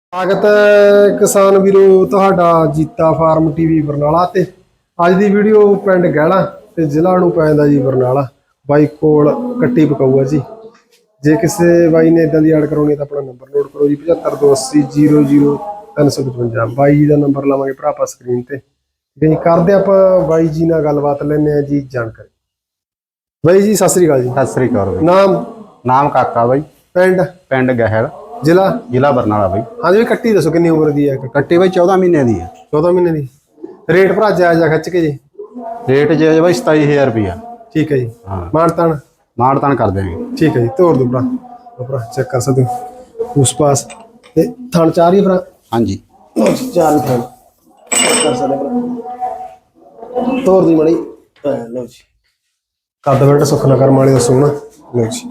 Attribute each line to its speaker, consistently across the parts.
Speaker 1: स्वागत है किसान वीरो तुहाडा जीता फार्म टीवी बरनाला ते अज दी वीडियो पिंड गैला ते जिला नूं पैंदा जी बरनाला बाई कोल कट्टी पकाऊ जी। जे किसी बाई ने इदां दी ऐड करवाउणी तां अपना नंबर नोट करो जी 7528000355 बाई जी का नंबर लावांगे भरा आपां स्क्रीन ते ठीक है जी। करदे आपां बाई जी नाल गलबात लैने आ जी जानकारी। बाई जी सत श्री अकाल जी।
Speaker 2: सत श्री अकाल
Speaker 1: नाम
Speaker 2: नाम काका बाई
Speaker 1: पिंड
Speaker 2: पिंड गहल
Speaker 1: जिला
Speaker 2: जिला बरनाला बाई।
Speaker 1: हाँ जी कट्टी दसो कितनी उम्र दी है?
Speaker 2: कट्टी बाई 14 महीने दी है।
Speaker 1: 14 महीने दी। रेट भरा जायजा खच के जी?
Speaker 2: रेट जो है बाई 27,000 रुपया।
Speaker 1: ठीक है जी।
Speaker 2: हाँ
Speaker 1: मानतान
Speaker 2: मानतान कर देंगे।
Speaker 1: ठीक है जी। तोड़ दो भरा भरा चेक कर सकते हो उस पास थान चार ही भरा।
Speaker 2: हाँ जी
Speaker 1: चार ही थान चेक कर सकते भरा तोड़ दी मड़ी लो जी। कद बेटा सुखना कर माड़ी दसो ना लो जी।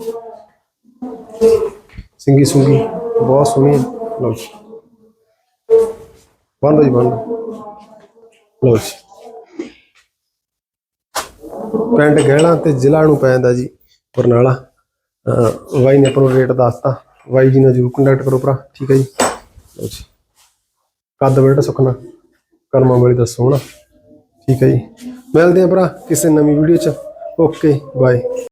Speaker 1: सिंगी सुंगी बहुत सोहनी लो जी। बन लो जी बन लो जी। पिंड गहला ते जिला नूं पैंदा जी बरनाला। बाई ने अपना रेट दसता बाई जी ने जरूर कंटैक्ट करो भरा ठीक है जी। लो जी कद बेटा सुखना कर्मा वाली दसो ना ठीक है जी। मिलते हैं भरा किसी नवीं वीडियो च। Okay bye.